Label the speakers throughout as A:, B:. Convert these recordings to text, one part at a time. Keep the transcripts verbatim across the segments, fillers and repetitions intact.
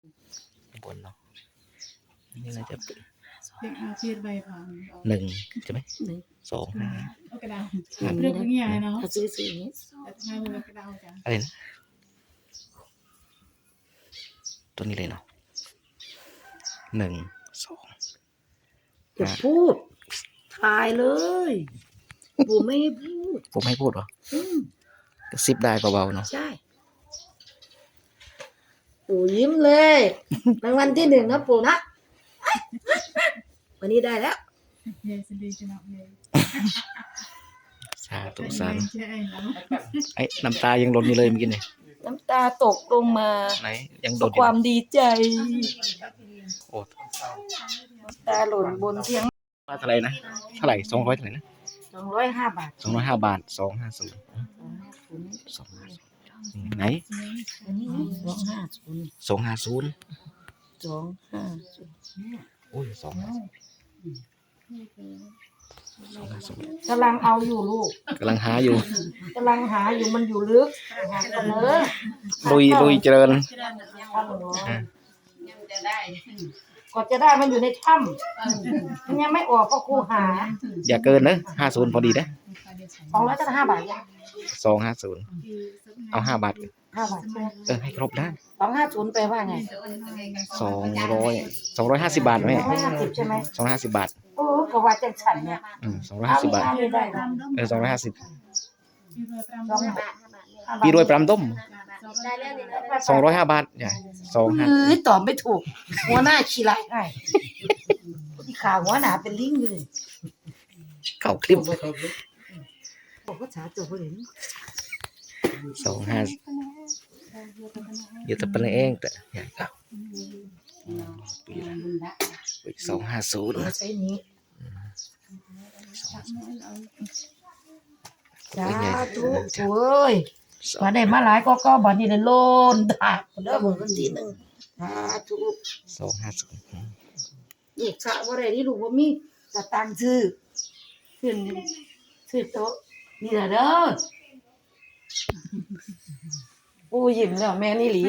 A: บนเนาะนี่น่าจะเป็น
B: เด็กอาเพียรใบผ่าน
A: หนึ่งใช่ไหม
C: หนึ่ง
A: สองห้า
B: เอากระดาษ
C: อย่าง
B: เลื
C: นี้
B: อก
C: นะ
B: อย่างเงี้ยเนาะ
C: ถ้าซื้อซื้ออย่างนี้
B: แต่ทำไมมันเป็นกระดาษจัง
A: อะไรนะตัวนี้เลยเนาะหนึ่งสอง
C: จะพูดถ่ายเลยปู่ไม่ให้พูด
A: ผมให้พูดเหรอ
C: อืม
A: กระซิบได้เบาๆเนาะ
C: ใช่ปู่ยิ้มเลยรางวัลที่หนึ่งนะปู่นะวันนี้ได้แล้ว
B: เยสดีจังเลย
A: สาธุสาธุ
B: ใช่แล้ว
A: ไอ้น้ำตายังหล่นอยู่เลยเมื่อกี้เนี่ย
C: น้ำตาตกลงมา
A: ไหนยัง
C: เพ
A: โด
C: ราะ
A: นอ
C: ค
A: ยู่
C: วามดีใจ
A: โอ้
C: น้ำตาหล่นบนเตียง
A: ว่าเท่าไหร่นะเท่าไหร่สองร้อยเท่าไหร่นะ
C: สองร้อยห้าบาท
A: สองร้อยห้าบาทสองห้าศูนย์สองห้าศูนย์ไหน
C: อันนี้สองห้าศูนย์
A: สองห้าศูนย์
C: สองห้าศูนย์
A: โอ้ยสองห้าสองห้าศูนย์
C: กำลังเอาอยู่ลูก
A: กำลังหาอยู่
C: กำลังหาอยู่มันอยู่ลึกหากันเลย
A: ลุยลุยเจริญ
C: อ่ะก่อนจะได้มันอยู่ในถ้ำมันยังไม่ออกก็ครูหา
A: อย่าเกินนะห้าศูนย์พอดีนะ
C: สองร้อยจะห้าบาทยัง
A: สองห้าศูนย์เอาห้าบาท
C: ห้าบาทใช่ไหม
A: เออให้ครบได้
C: สองห้าศูนย์แปลว่าไง
A: สองร้อยสองร้อยห้าสิบบาทไหม
C: สองร้อยห้าสิบใช่ไหม
A: สองร้อยห้าสิบบาท
C: โอ้กว่าจังฉันเนี่ย
A: อืมสองร้อย
C: เอา
A: ห้าสิบบาท
C: เอาได้นะ
A: เออสองร้อยห้าสิบ
C: สองบาท
A: พี่รวยปรำต้ม
B: ได้แล้ว
A: สองร้อยห้าบาทใหญ่สองห้า
C: เอ้ยตอบไม่ถูก หัวหน้าขี้ไรให้ที่ขาหัวหนาเป็นลิงอยู่เลย
A: เข้าคลิป
C: บอกภาษาตัวเลย
A: สองห้าอยู่แต่เป็นเองแต่ใหญ่เก้าปีสองห้าศูนย์
C: ใช้นี้สาธุโอ้ยมาได้มาหลายก็ก็บัดนี้เลยโลนดาบเด้อเบิ่งกันทีหนึงสาธุ
A: สองห้าศูนย์
C: นี่สะบ่ได้นี่ลูกบ่มีสตางค์ซื้อขึ้นซื้อโต๊ะนี่ล่ะเด้อปู่ยิ้มแล้วแม่นี่หลี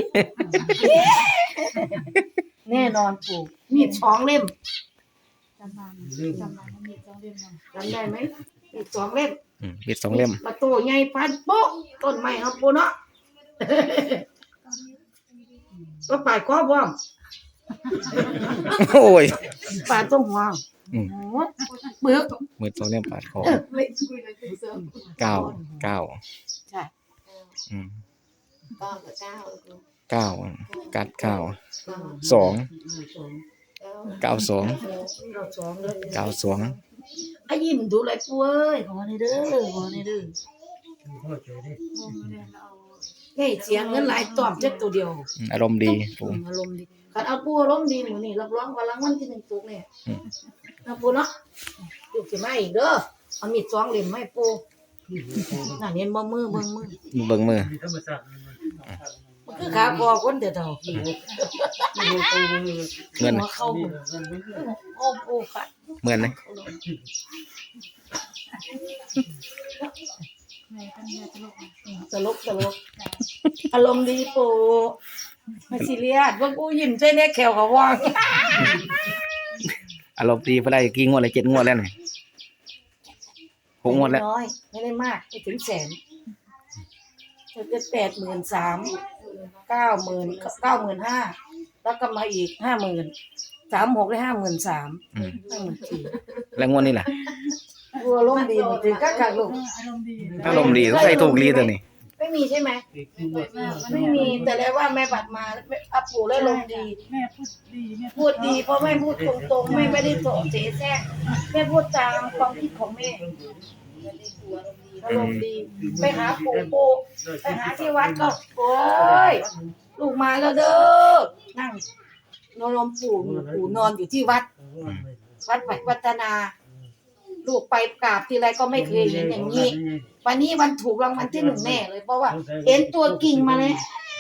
C: แน่นอนปู่มีดสองเล่ม
B: จำบานจำบานมันมีสองเล่มเนาะ
C: จำได้ไหมมีดสองเล่ม
A: อืมมีสองเล่ม
C: ประตูใหญ่พันโป๊ะต้นไม้ครับปู่เนาะ ก็ปาดคอพร้อม
A: โอ้ย
C: ปาดตรงหัว
A: อืม
C: โอ้ปึก
A: มือสองเล่มปาดคอ
C: เออไม่
B: คุยเลยคุยเสริม
A: เก้าเก้า
C: ใช่
A: อืม
C: เก้ากับเก้า
A: เก้ากัดเก้าสองเก้าสอง
C: เราสองเลย
A: เก้าสอง
C: ไอ้ยิ้มดูเลยปู่เอ้ยขอในเด้อขอในเด้อเฮ้ยเสียงเงินหลายตอบจักตัวเดียว
A: อืมอารมณ์ดีปู
C: อารมณ์ดีคันเอาปู่อารมณ์ดีหนูนี่รับรองว่ารางวัลที่หนึ่งตุกเนี่ย
A: อืม
C: นะปู่เนาะลูกสิมาอีกเด้อเอามีดสองเล่มมาให้ปู่น่ะเห็นบ่มือเบิ่งมือ
A: เบิ่งมือ
C: มันคือขาคอคนเดียวเท่า
A: เงิน
C: หัวเข้ามือโอ้ปู่ค่ะ
A: เหมือนไหม
B: ในตั้งแต่ตลก
C: ตลกตลกอารมณ์ดีปู่ไม่ซีเรียสว่าปู่ยิ้มใส่แน่แขวก็ว่าง
A: อารมณ์ดีไปได้กี่งวดเลยเจ็ดงวดแล้วนี่หกงวดแล้ว
C: น้อยไม่ได้มากไม่ถึงแสนจะแปดหมื่นสามเก้าหมื่นเก้าหมื่นห้าแล้วก็มาอีกห้าหมื่นสามหกได้ห้าหมื่นสาม
A: อืม
C: ห้าหมื่นสี่
A: แล้วงวดนี้ล่ะ
C: บัวล้มณ์ดีหมดถึงก็ขาดลูก
B: อารมณ์ดี
A: อารมณ์ดีต้องใส่ถูกลีตัวนี้
C: ไม่มีใช่ไหมไม่มีแต่แล้วว่าแม่บัดมาอาปู่แล้วลมณ์ดี
B: แม่พูดดีแม่
C: พูดดีเพราะแม่พูดตรงๆแม่ไม่ได้โสเสแสร้งแม่พูดตามความคิดของแม่อารมณ์ดีไปหาปู่ปู่ไปหาที่วัดก็โอ้ยลูกมาแล้วเด้อนั่งนอนลมปู่ปู่นอนอยู่ที่วัด วัดปัวัฒนา ลูกไปกราบทีไรก็ไม่เคยเห็นอย่างนี้ วันนี้วันถูกรางวัลที่หนึ่งแน่เลยเพราะว่า เห็นตัวกิ่งมาแล้ว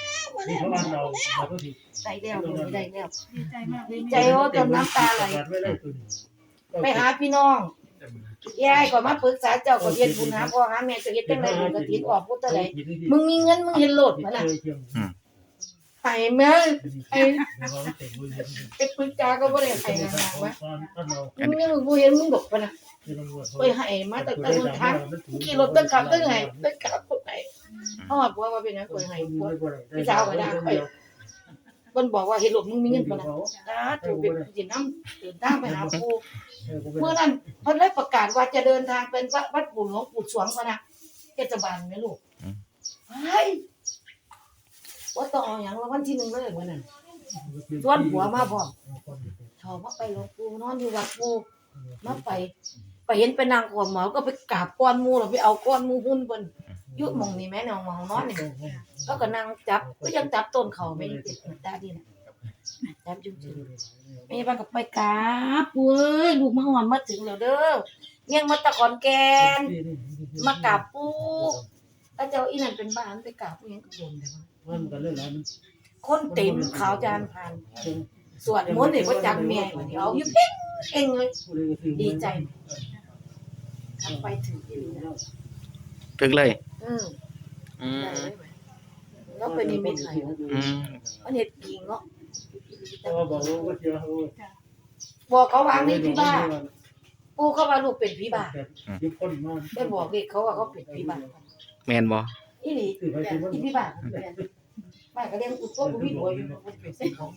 C: ได้แล้วได้แล้ว
B: ดีใจมาก
C: ดีใจโอ้จนน้ำตาไหลไปหาพี่น้องยายก็มาปรึกษาเจ้าก็เฮ็ดบุญหาพ่อหาแม่จะเฮ็ดจังได๋บุญกฐินออกพุทธใดมึงมีเงินมึงเห็นโลดบ่ล่ะไห้แม่ไอ้ไอ้ปืนจาก็บ่ได้ไห้นานๆวะมึงยังบ่เห็นมึงดอกปะนะไปไห้มาตั้งแต่ต้นทางขี่รถตั้งขับตั้งไห้ตั้งขับคนไหนเขาบอกว่าเป็นหยังไปไห้พวกพี่สาวก็ด่าไปเพิ่นบอกว่าเฮ็ดลูกมึงมีเงินปะนะสาธุเป็นสินำเดินทางไปหาปู่เมื่อนั้นเพิ่นเลยประกาศว่าจะเดินทางเป็นวัดปู่หลวงปู่สวงปะนะเทศบาลแม่ลูกเฮ้ยว่าต้องเอาหยังรางวัลที่หนึ่งเลยมื้อนั้นชวนผัวมาพร้อมชอบมาไปหลวงปู่นอนอยู่วัดปู่มาไปไปเห็นไปนางขอหมอก็ไปกราบก้อนหมู่แล้วไปเอาก้อนหมู่หุ่นเพิ่นอยู่หม่องนี่แม่นองหม่องนอนนี่แล้วก็นั่งจับก็ยังจับต้นเขาไม่ติดตาดีน่ะจับจุ่มๆแม่บ้านก็ไปกราบปู่เอ้ยลูกมาฮอดมาถึงแล้วเด้อยังมาตะขอนแก่นมากราบปู่แล้วเจ้าอีนั่นเป็นบ้านไปกราบปู่ยังก็โดนแต่คนเต็มขาวจานผ่านสวดมนต์นี่บ่จักแม่บัดนี้เอาอยู่เพ่งเองเลยดีใจทำไปถึงที่นี่แล้ว
A: ถึงเลย
C: เออ
A: อืม
C: แล้วไปนิมิตให้
A: อืม
C: มันเฮ็ดกิ่งเนาะ
D: บอกว่าเจอเขา
C: บอกเขาวางนี่พี่บ้าปู่เขาว่าลูกเป็นพี่บ้า
D: ยุคคนมาก
C: ได้บอกเด็กเขาว่าเขาเป็นพี่บ้า
A: แม่นบ่
C: อีหลีอีพี่บ้าบ้าก็เลี้ยงกูโตกูมีหัวอยู่เป็นสิของ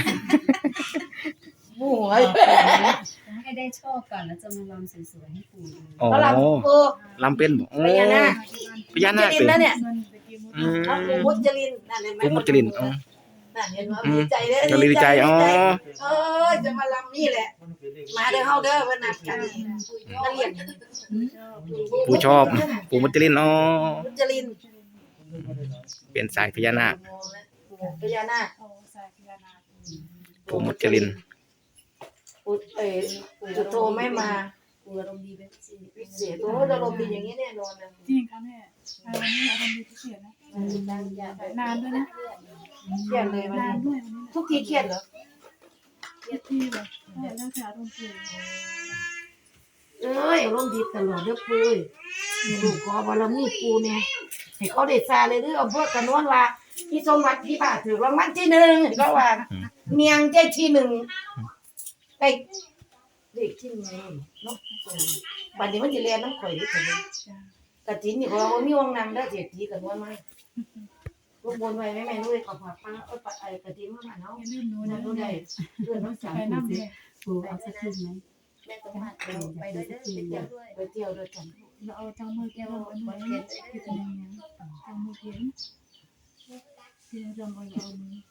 C: หมู่ไอ้
B: ให้ได้โชคก่อนแล้วจะมาลำสวยๆให้ปู่ดู
A: อ๋อ
C: เขาลำปู่
A: ลำเป็นบ่โอ้
C: พญานาค
A: พญานาค
C: มุจลิ
A: เป็น
C: นนะเนี่ย
A: อืม
C: เอาปู่มุจลินนั่นเห็นไหม
A: ปู่มุจลินอ๋อ
C: นั่นเห็นว่าดีใจเด้อ
A: ก็เลยดีใจอ๋อ
C: เออจะมาลำนี่แหละมาเด้อเฮาเด้อวันนัดกันมาเรียน
A: ปู่ชอบปู่มุจลินอ๋อ
C: มุจลิน
A: เป็นสายพญานาค
C: ปู่พญานาค
B: โอ้สายพญานาค
A: ปู่มุจลิน
C: ปู่เอ่อจุดโทไม่มาปู่อารมณ์ดีเป็นพิเศษโอ้อารมณ์ดีอย่างนี้แน่นอนนะ
B: จริงค่ะแม่วันนี้อารมณ์ดีพิเศษนะนานด้วยนะ
C: เครียดเลยวัน
B: นาน
C: นี้
B: ด้วยวันนี้
C: ทุกทีเครียดเหรอ
B: เครียดที่แบบแล้วแต่อารมณ์เปลี่ยน
C: เอ้ยอารมณ์ดีตลอดเด้อปู่เอ้ยลูกขอบารมีปู่เนี่ยให้เขาได้ซาเลยเด้อเพื่อกันว่าว่าที่สมบัติที่บ้านถือรางวัลที่หนึ่งก็ว่าเมียงใจที่หนึ่งไอ้เด็กที่หนึ่งเนาะบัดนี้มันสิเรียนน้ำข่อยดิกันกะทินนี่เขาว่ามีวงนำได้เศรษฐีกันว่าไหมลูกบนไว้แม่แม่ด้วยขอฝากป้าเอ้ยไอ้กะทินมาหาเนาะ
B: อย่าลืมหนู
C: นั่
B: นะ
C: นรู้ได้เพื่อนน้องสาว
B: ไปน้ำเลย
E: ปูเอาสักครึ่งไหม
C: แม่ต้องมาไปด้วยไปเที่ยวด้วยกัน
B: เราเอาเจ้ามือแก้วอันนี้ที่เป็นยังไงเจ้ามือเขียนที่เราเอาเอามือ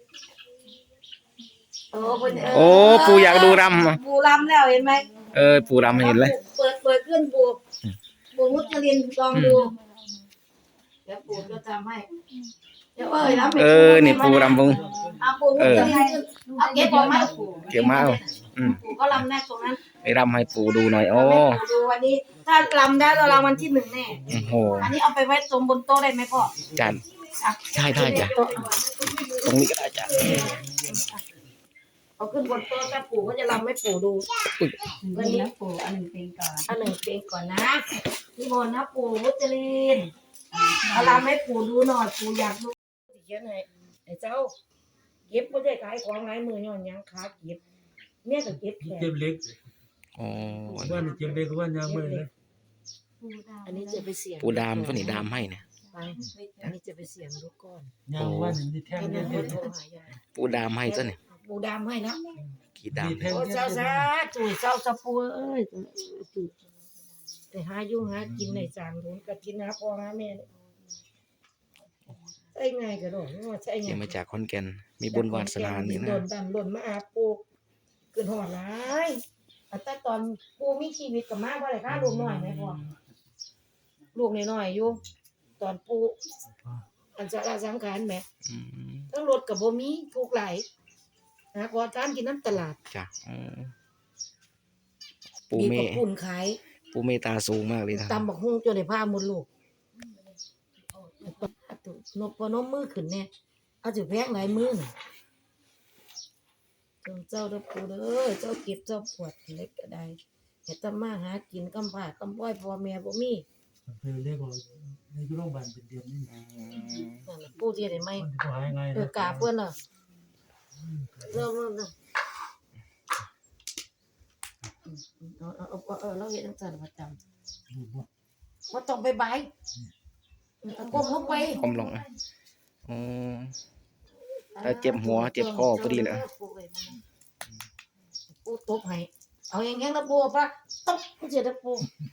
C: เออเพิ่น
A: โอ้ปู่อยากดูรำ
C: ปูรำแล้วเห็นไหม
A: เออปู่รำเห็นเลย
C: เปิดเปิดขึ้นปูปูมุจลินลองดูเดี๋ยวปูจะทำให้เดี๋ยวเอ้ยรับ
A: เออนี่ปู่รำวง
C: เอาปูมุจลินเอาเก็บออกมาปู
A: เก็บมาเอาอืม
C: ปูก็รำแน่ตรงนั้น
A: ไปรำให้ปู่ดูหน่อยโอ้
C: ให้ปูดูวันนี้ ถ้ารำได้เรารางวัลที่หนึ่งแน่
A: โอ้โห
C: อันนี้เอาไปไว้ตรงบนโต๊ะได้ไหมพ่อ
A: จัน
C: อ่ะ
A: ใช่ได้จ้ะตรงนี้ก็ได้จ้ะ
C: เอาขึ้นบนโต๊ะถ้าปู่ก็จะรำให้ปู่ดู
E: วันนี้ปูอันหนึ่งเป็นก่อน
C: อันหนึ่งเพลงก่อนนะนี่บนนะปู่มุจลินเอารำให้ปู่ดูหน่อยปู่อยากดูเขียนให้ไอ้เจ้าเก็บไม่ได้ขายของหลายมือย้อนหยังขาเก็บเนี่ยก็เก็บแขน
D: เจ็บเล็ก
A: โอ้
D: ว่าเจ็บเล็กว่ายางมือเลย
B: ปูดาว
C: อันนี้จะไปเสี่ยง
A: ปู่ดามก็นี่ดามให้เนี่ย
C: ไปอันนี้จะไปเสี่ยงดูก่อน
D: ยางว่านี่แท่ง
C: ให้
D: เล็
C: แม่
D: ก
C: โทรหายาย
A: ปู่ดามให้ซะเนี่ย
C: ปู่ดำให้แล้ว
A: กี่ดาม
D: แท่ง
C: โอ้เจ้าซาตุ๋ยเจ้าสะปูเอ้ยตุ๋ยแต่หายุ่งหากินในจางโดนก็กินหาพ่อหาแม่เนี่ยใช่ไงก็ดอกว่าใช่ไง
A: เดี๋ยวมาจากขอนแก่นมีบุญวาสนานี่นะ
C: โดนดันหล่นมาอาปูเกินหอดร้ายแต่ตอนปูมีชีวิตกับมาเพราะอะไรคะลูกน้อยไหมพ่อลูกน้อยๆอยู่ตอนปูอันจะละสังขารแหม
A: อืม
C: ทั้งรถกับบ่มีทุกหลายนะขอทานกินน้ำตลาด
A: จ้ะอืมปู่
C: มี
A: เม
C: กับปุ่นขาย
A: ปู่เมตตาสูงมากเลยนะ
C: ตำบักฮุ้งจนได้ผ้าหมดลูกนบพนมมือขึ้นเนี่ยเอาจะแพงหลายมือน่ะจงเจ้าเด้อปู่เด้อเจ้าเก็บเจ้าปวดเล็กก็ได้เฮ็ดทำมาหากินกำพร้ากำป้อยพ่อแม่บ่มี
D: คือเรียกว่าในยุโรปบ้านเป็นเดือนนี่
C: ปูที่ได้ไหม
D: มันจะหายไง
C: เออกาเพื่อนน่ะเริ่มเริ่มนะเออเออเออเราเห็นตั้งแต่ประจำว่าต้องไปบายก้มลงไป
A: ก้มลงอ่ะอ๋อถ้าเจ็บหัวเจ็บคอพอดีเลย
C: ปูตบให้เอาอย่างงี้นะปูปะตบเจ็บปู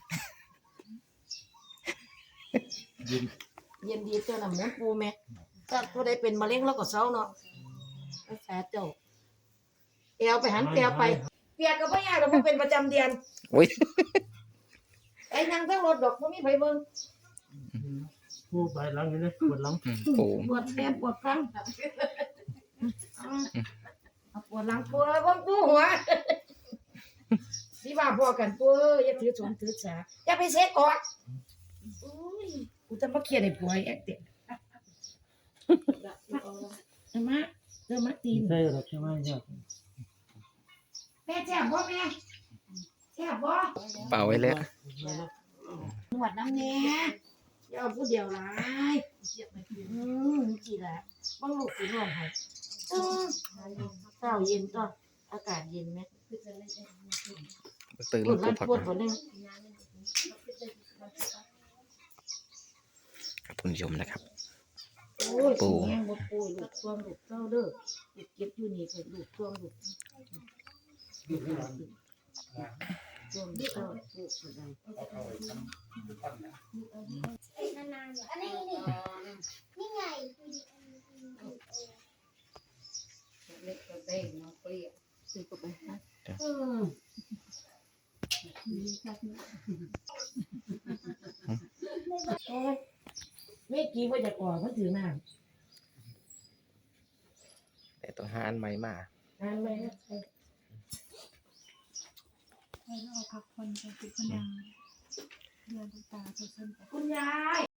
C: เย็นดีตัวน่ะหมุนปูแม่ถ้าผู้ใดเป็นมะเร็งแล้วก็เศร้าเนาะรักษาเจ้าเอวไปหันเอวไปเปียกก็ไม่ยากเราเป็นประจำเดือน
A: โอ้ย
C: ไอ้นางทั้งรถดอกไม่มีไผเบิ่ง
D: ผู้ใบหลังนี่นะปวดหลัง
A: อืมปู
C: ปวดแทบปวดครั้งเอาปวดหลังปวดเบิ่งปูหัวสิว่าพอกันปูอย่าถือสนถือสาอย่าไปเสียก่อนอุ้ยกูจะมาเครียดให้ผัวแอกเต็มเอามาเดินมาตีน
D: ใช่หรอกใช่ไหมเนี่ย
C: แม่แซ่บบ่แม่แซ่บบ่
A: เป่าไว้แล้ว
C: นวดน้ำแน่อย่าเอาผู้เดียวหลายอืมจีละบ้างลูกสินวดให้อืมเช้าเย็นก็อากาศเย็นไหม
A: ตื่น
C: ป
A: แล้ว ว
C: ด
A: ปู
C: รัด
A: พัก
C: ปวด
A: ก่อน
C: บ่นึง
A: ครับคุณผู้ชมนะครับ
C: โอ้ย
A: ปู
C: แม่บ่ปูลูกช่วงลูกเจ้าเด้อลูกเก็บอยู่นี่ก็ลูกช่วงลูกช่วงลูกเจ้าลูกก็ได้
F: อันนี้นี่นี่ไง
C: เล็กก็ได้เนาะเปรี้ยวซื้อก็ไปฮะเออโอ้ยเมื่อกี้ว่าจะก่อมันถือน้ำ
A: แต่ต้องหาอันใหม่มา
C: อ่านไหมนะ
B: ให้เราพักผ่อนกันเป็นคนยังเดือนตาตัวสั้น
C: คุณยาย